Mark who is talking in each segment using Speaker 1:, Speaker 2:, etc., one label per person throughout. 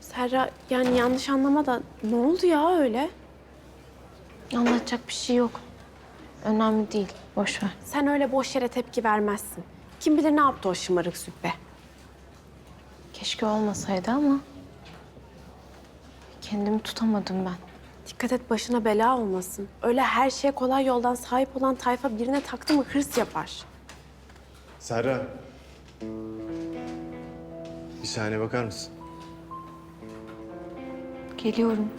Speaker 1: Serra yani yanlış anlama da ne oldu ya öyle?
Speaker 2: Anlatacak bir şey yok. Önemli değil. Boş ver.
Speaker 1: Sen öyle boş yere tepki vermezsin. Kim bilir ne yaptı o şımarık züppe.
Speaker 2: Keşke olmasaydı ama kendimi tutamadım ben.
Speaker 1: Dikkat et başına bela olmasın. Öyle her şeye kolay yoldan sahip olan tayfa birine taktı mı hırs yapar.
Speaker 3: Serra. Bir saniye bakar mısın?
Speaker 2: Geliyorum.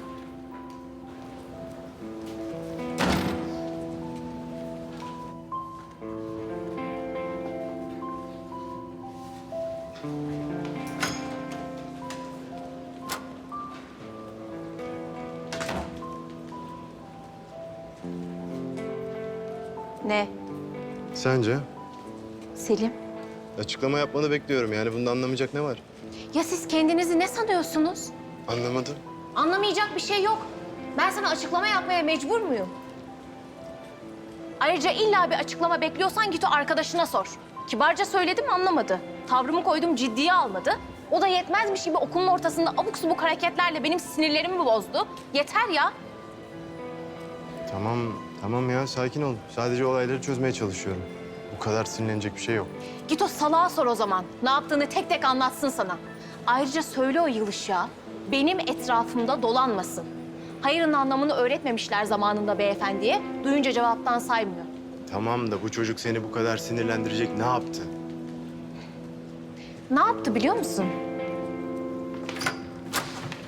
Speaker 2: Ne?
Speaker 3: Sence?
Speaker 2: Selim?
Speaker 3: Açıklama yapmanı bekliyorum. Yani bunda anlamayacak ne var?
Speaker 2: Ya siz kendinizi ne sanıyorsunuz?
Speaker 3: Anlamadım.
Speaker 2: Anlamayacak bir şey yok. Ben sana açıklama yapmaya mecbur muyum? Ayrıca illa bir açıklama bekliyorsan git o arkadaşına sor. Kibarca söyledim anlamadı. Tavrımı koydum ciddiye almadı. O da yetmezmiş gibi okulun ortasında abuk subuk hareketlerle benim sinirlerimi bozdu. Yeter ya.
Speaker 3: Tamam ya sakin ol. Sadece olayları çözmeye çalışıyorum. Bu kadar sinirlenecek bir şey yok.
Speaker 2: Git o salağa sor o zaman. Ne yaptığını tek tek anlatsın sana. Ayrıca söyle o Yılış'a benim etrafımda dolanmasın. Hayırın anlamını öğretmemişler zamanında beyefendiye. Duyunca cevaptan saymıyor.
Speaker 3: Tamam da bu çocuk seni bu kadar sinirlendirecek ne yaptı?
Speaker 2: Ne yaptı biliyor musun?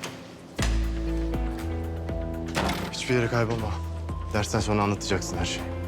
Speaker 3: Hiçbir yere kaybolma. Dersten sonra anlatacaksın her şeyi.